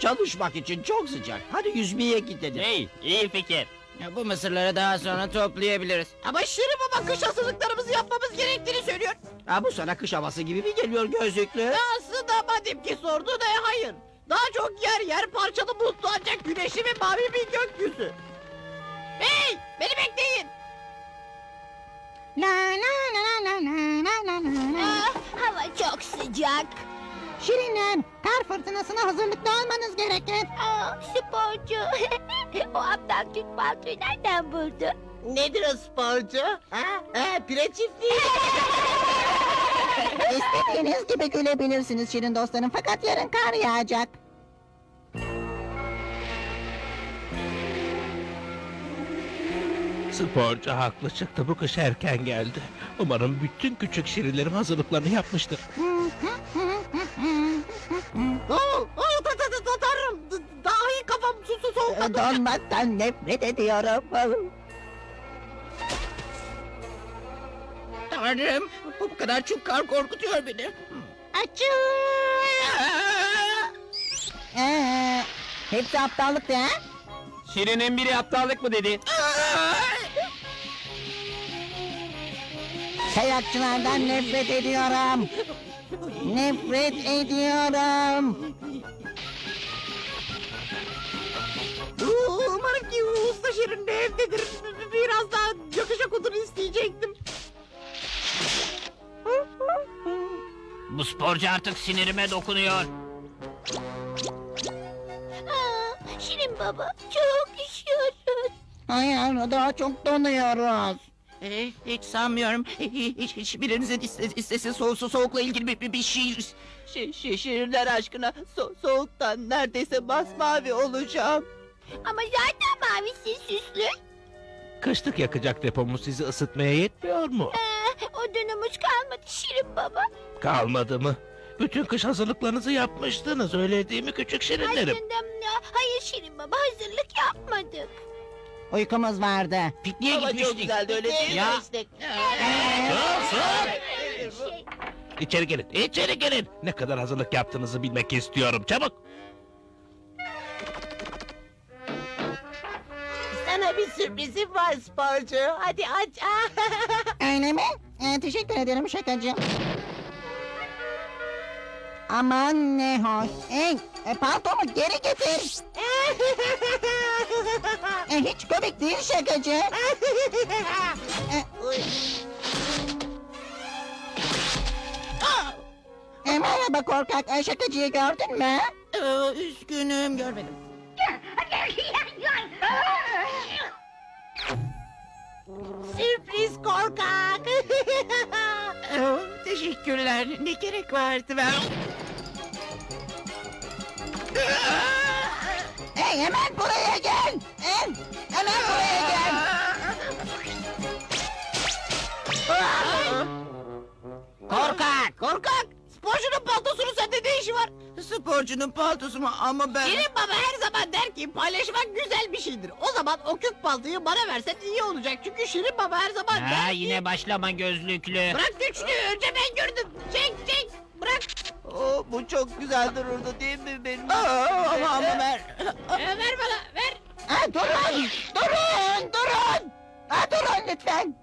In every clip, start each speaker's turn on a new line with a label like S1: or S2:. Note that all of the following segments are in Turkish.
S1: çalışmak için çok sıcak. Hadi yüzmeye gidelim.
S2: Hey, iyi fikir.
S1: Ya, bu mısırları daha sonra toplayabiliriz. Ama Şirin Baba kış hazırlıklarımızı yapmamız gerektiğini söylüyor. Ha, bu sana kış havası gibi mi geliyor gözlüklü? Aslında madem ki sordu da hayır. Daha çok yer parçalı bulutlu ancak güneşli ve mavi bir gökyüzü. Hey, beni bekleyin.
S3: La la la la la la la la.
S4: Ah, hava çok sıcak.
S3: Şirinler, kar fırtınasına hazırlıklı olmanız gerekir.
S4: Aa, sporcu. O aptal Türk paltoyu nereden buldu?
S1: Nedir o sporcu? Pire çiftliği.
S3: İstediğiniz gibi gülebilirsiniz Şirin dostlarım, fakat yarın kar yağacak.
S5: Sporcu haklı çıktı, bu kış erken geldi. Umarım bütün küçük şirinlerim hazırlıklarını yapmıştır.
S1: Tanrım, dahi kafam soğuk.
S3: Donmaktan nefret ediyorum.
S1: Tanrım, bu kadar çok kar korkutuyor beni.
S3: Açıl! Hepsi aptallıktı ha?
S2: Şirin'in biri aptallık mı dedi?
S3: Kayakçılardan nefret ediyorum. Nefret ediyorum.
S1: Umarım ki usta Şirin de evdedir. Biraz daha yakışık odunu isteyecektim.
S2: Bu sporcu artık sinirime dokunuyor.
S4: Aa, Şirin baba, çok üşüyoruz.
S3: Hayır, daha çok donuyoruz.
S1: Hiç sanmıyorum. Hiçbirinizin istese soğukla ilgili bir şiir. Şiirler aşkına soğuktan neredeyse masmavi olacağım.
S4: Ama zaten mavisi süslü.
S5: Kışlık yakacak depomuz sizi ısıtmaya yetmiyor mu?
S4: Odunumuz kalmadı Şirin baba.
S5: Kalmadı mı? Bütün kış hazırlıklarınızı yapmıştınız, öyle değil mi küçük şirinlerim?
S4: Hayır Şirin baba, hazırlık yapmadık.
S3: Uykumuz vardı.
S1: Pikniğe gitmiştik. Çok güzeldi öyle değil mi?
S2: Ya.
S4: Şey,
S5: İçeri gelin, içeri gelin. Ne kadar hazırlık yaptığınızı bilmek istiyorum, çabuk.
S1: Sana bir sürprizim var sporcu. Hadi aç.
S3: Öyle mi? Teşekkür ederim şakacı. Aman ne hoş. Paltomu geri getir. Hiç komik değil şakacı. Merhaba korkak. Şakacıyı gördün mü?
S1: Üzgünüm, görmedim. Sürpriz korkak. Teşekkürler. Ne gerek vardı ben?
S3: Hemen buraya gel. Hemen buraya gel.
S1: Korkak. Sporcunun paltosunun sende ne işi var? Sporcunun paltosu mu ama ben... Şirin baba her zaman der ki paylaşmak güzel bir şeydir. O zaman o kök paltoyu bana versen iyi olacak. Çünkü Şirin baba her zaman der
S2: Ha,
S1: ki...
S2: yine başlama gözlüklü.
S1: Bırak güçlü, önce ben gördüm. Çek, bırak. Bu çok güzel dururdu değil mi benim? Ama ver. Ver bana, ver.
S3: Durun. Durun lütfen.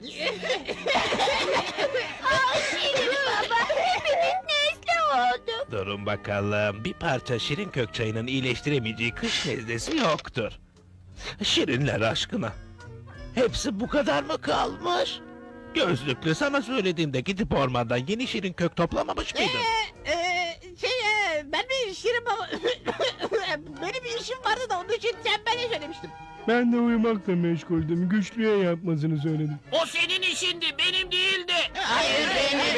S4: Şirin baba, hepimiz nezle olduk.
S5: Durun bakalım, bir parça şirin kök çayının iyileştiremeyeceği kış nezlesi yoktur. Şirinler aşkına. Hepsi bu kadar mı kalmış? Gözlüklü, sana söylediğimde gidip ormandan yeni şirin kök toplamamış mıydın?
S1: Ben bir Şirin baba... Benim bir işim vardı da onun için tembele söylemiştim.
S6: Ben de uyumakla meşguldüm. Güçlüye yapmasını söyledim.
S2: O senin işindi, benim değildi.
S1: Hayır,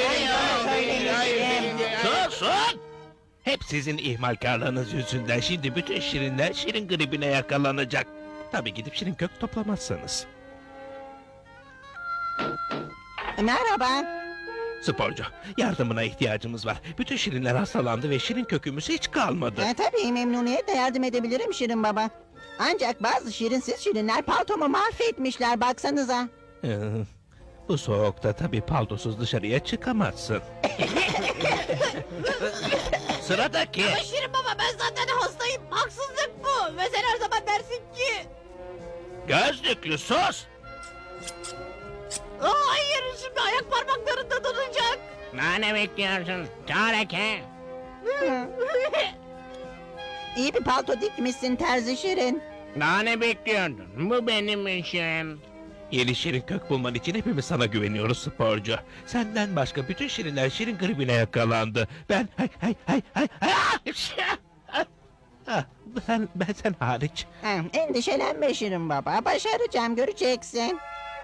S5: Sus! Hep sizin ihmalkarlığınız yüzünden şimdi bütün şirinler şirin gribine yakalanacak. Tabii gidip şirin kök toplamazsanız.
S3: Merhaba.
S5: Sporcu, yardımına ihtiyacımız var. Bütün şirinler hastalandı ve şirin kökümüz hiç kalmadı.
S3: Tabii memnuniyetle yardım edebilirim Şirin baba. Ancak bazı şirinsiz şirinler paltomu mahvetmişler, baksanıza.
S5: Bu soğukta tabii paltosuz dışarıya çıkamazsın. Sıradaki.
S1: Şirin baba Ama ben zaten hastayım. Haksızlık bu. Ve sen her zaman dersin ki...
S5: Gözlüklü sus!
S1: Hayır, şimdi ayak parmaklarında donacak.
S2: Ne bekliyorsun? Tareke.
S3: İyi bir palto dikmişsin terzi Şirin.
S2: Daha ne bekliyordun? Bu benim işim.
S5: Yeni şirin kök bulman için hepimiz sana güveniyoruz sporcu. Senden başka bütün şirinler şirin gribine yakalandı. Ben ben sen hariç.
S3: Endişelenme Şirin baba. Başaracağım, göreceksin.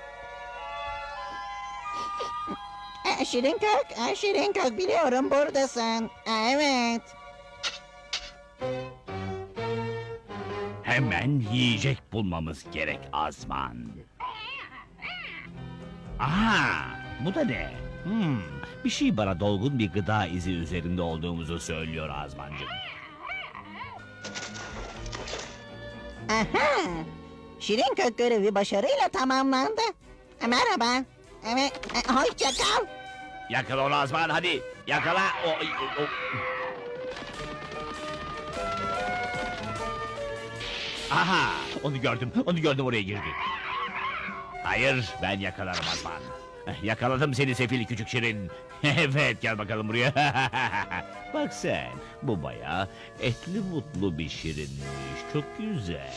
S3: Şirin kök biliyorum buradasın. Evet.
S7: Hemen yiyecek bulmamız gerek Azman. Aha, bu da ne? Bir şey bana dolgun bir gıda izi üzerinde olduğumuzu söylüyor Azmancığım.
S3: Aha. Şirin kök görevi başarıyla tamamlandı. Merhaba. Evet, hoşça kal.
S7: Yakala onu Azman, hadi yakala. Aha, onu gördüm oraya girdi. Hayır, ben yakalarım Azman. Yakaladım seni sefil küçük şirin. Evet, gel bakalım buraya. Bak sen, bu bayağı etli mutlu bir şirinmiş. Çok güzel.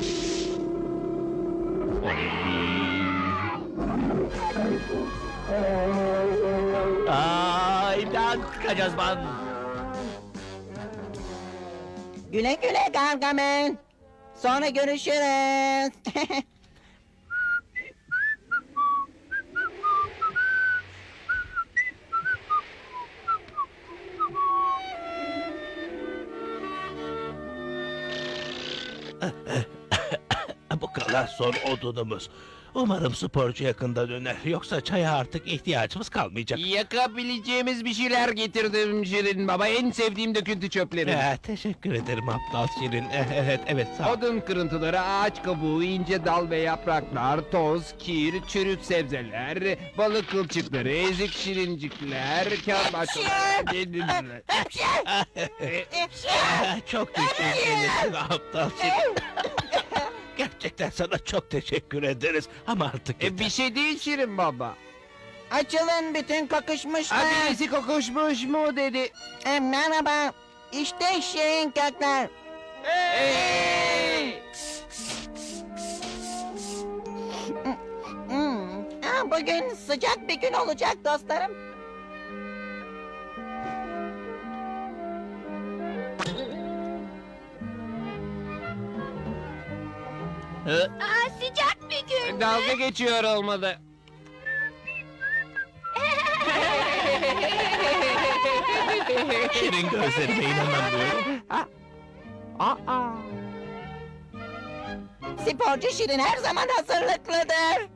S7: İmdat, kaç Azman.
S3: Güle güle Gargamel. Sonra görüşürüz.
S5: Bu kadar son odunumuz. Umarım sporcu yakında döner. Yoksa çaya artık ihtiyacımız kalmayacak.
S2: Yakabileceğimiz bir şeyler getirdim Şirin Baba. En sevdiğim döküntü çöpleri.
S5: Teşekkür ederim aptal şirin. Evet sağ ol.
S2: Odun kırıntıları, ağaç kabuğu, ince dal ve yapraklar, toz, kir, çürük sebzeler, balık kılçıkları, ezik şirincikler, kağıt parçaları...
S5: Çok teşekkür ederim aptal şirin. Gerçekten sana çok teşekkür ederiz. Ama artık yeter.
S2: Bir şey değil Şirin Baba.
S3: Açılın bütün kokuşmuşlar.
S2: Birisi kokuşmuş mu dedi.
S3: Merhaba. İşte Şirin kökler.
S2: Hey!
S3: Bugün sıcak bir gün olacak dostlarım.
S4: Sıcak bir gün.
S2: Dalga geçiyor olmalı.
S5: Şirin gözlerime inanamıyorum.
S3: Sporcu Şirin her zaman hazırlıklıdır.